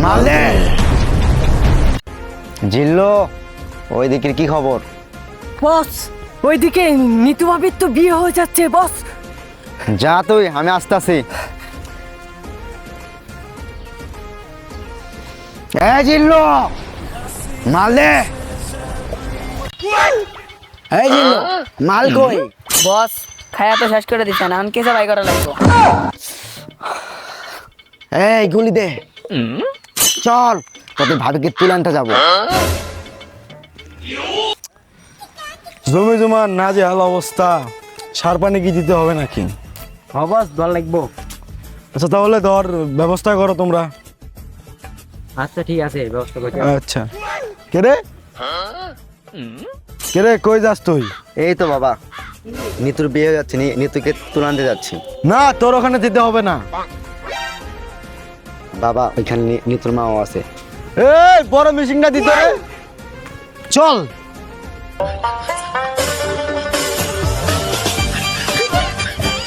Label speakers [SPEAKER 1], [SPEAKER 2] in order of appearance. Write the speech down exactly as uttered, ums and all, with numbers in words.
[SPEAKER 1] মালে জিল্লো, ওই দিকের কি খবর?
[SPEAKER 2] বস, ওইদিকে নিতু ভাবির তো বিয়ে হয়ে যাচ্ছে বস।
[SPEAKER 1] যা তুই, আমি আসতেছি। এ জিল্লো, মাল দে। এই জিল্লো, মাল কই?
[SPEAKER 3] বস খায়া তো শেষ করে দিচ্ছেন, এখন কেসে বাই করা লাগবে।
[SPEAKER 1] এই গুলি দে, চল তোদের ভাবিকে তুলে আনতে যাবো।
[SPEAKER 4] জমি জমা না যে হাল অবস্থা, সার পানি কি দিতে হবে নাকি?
[SPEAKER 2] হ্যাঁ বস, দল লাগবো।
[SPEAKER 4] আচ্ছা তাহলে ধর ব্যবস্থা করো তোমরা।
[SPEAKER 2] আচ্ছা ঠিক আছে, ব্যবস্থা করছি।
[SPEAKER 4] আচ্ছা কে রে কে রে কই যাস তুই?
[SPEAKER 1] এই তো বাবা, নিতুর বিয়ে হয়ে যাচ্ছে, নি- নিতুকে তুলে আনতে যাচ্ছি।
[SPEAKER 4] না তোর ওখানে যেতে হবে না।
[SPEAKER 1] বাবা ওইখানে নি- নিতুর মাও আছে।
[SPEAKER 4] এই বড় মিশিংটা দিতে রে, চল।